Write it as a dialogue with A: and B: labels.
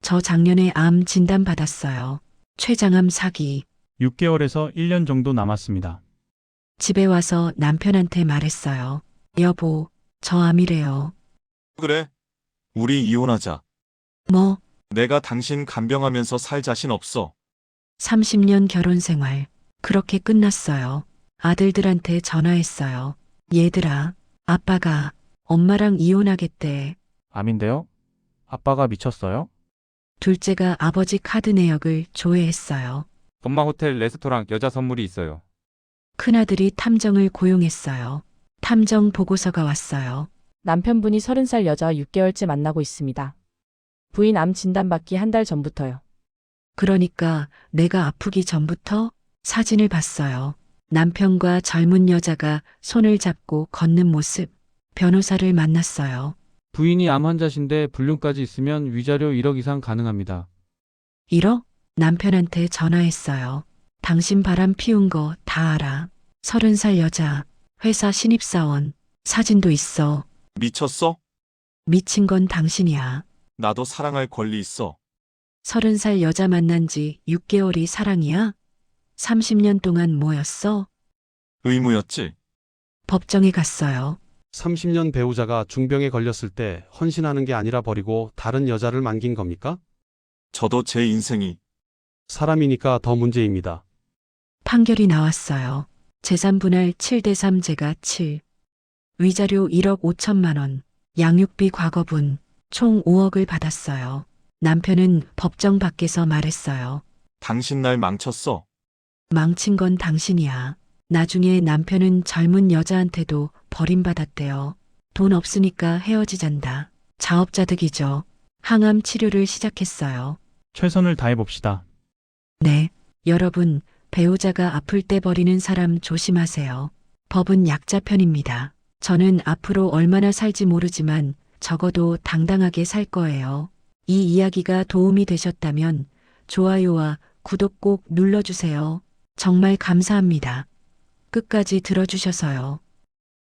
A: 저 작년에 암 진단 받았어요. 췌장암 사기.
B: 6개월에서 1년 정도 남았습니다.
A: 집에 와서 남편한테 말했어요. 여보, 저 암이래요.
C: 그래? 우리 이혼하자.
A: 뭐,
C: 내가 당신 간병하면서 살 자신 없어.
A: 30년 결혼 생활. 그렇게 끝났어요. 아들들한테 전화했어요. 얘들아, 아빠가 엄마랑 이혼하겠대.
D: 암인데요? 아빠가 미쳤어요?
A: 둘째가 아버지 카드 내역을 조회했어요.
E: 엄마 호텔 레스토랑 여자 선물이 있어요.
A: 큰아들이 탐정을 고용했어요. 탐정 보고서가 왔어요.
F: 남편분이 30살 여자와 6개월째 만나고 있습니다. 부인 암 진단받기 한 달 전부터요.
A: 그러니까 내가 아프기 전부터 사진을 봤어요. 남편과 젊은 여자가 손을 잡고 걷는 모습. 변호사를 만났어요.
G: 부인이 암 환자신데 불륜까지 있으면 위자료 1억 이상 가능합니다.
A: 1억? 남편한테 전화했어요. 당신 바람 피운 거 다 알아. 30살 여자, 회사 신입사원, 사진도 있어.
C: 미쳤어?
A: 미친 건 당신이야.
C: 나도 사랑할 권리 있어.
A: 30살 여자 만난 지 6개월이 사랑이야? 30년 동안 뭐였어?
C: 의무였지.
A: 법정에 갔어요.
H: 30년 배우자가 중병에 걸렸을 때 헌신하는 게 아니라 버리고 다른 여자를 만긴 겁니까?
C: 저도 제 인생이
H: 사람이니까 더 문제입니다.
A: 판결이 나왔어요. 재산 분할 7대3 제가 7. 위자료 1억 5천만 원. 양육비 과거분. 총 5억을 받았어요. 남편은 법정 밖에서 말했어요.
C: 당신 날 망쳤어.
A: 망친 건 당신이야. 나중에 남편은 젊은 여자한테도 버림받았대요. 돈 없으니까 헤어지잔다. 자업자득이죠. 항암 치료를 시작했어요.
B: 최선을 다해봅시다.
A: 네, 여러분, 배우자가 아플 때 버리는 사람 조심하세요. 법은 약자 편입니다. 저는 앞으로 얼마나 살지 모르지만 적어도 당당하게 살 거예요. 이 이야기가 도움이 되셨다면 좋아요와 구독 꼭 눌러주세요. 정말 감사합니다. 끝까지 들어주셔서요.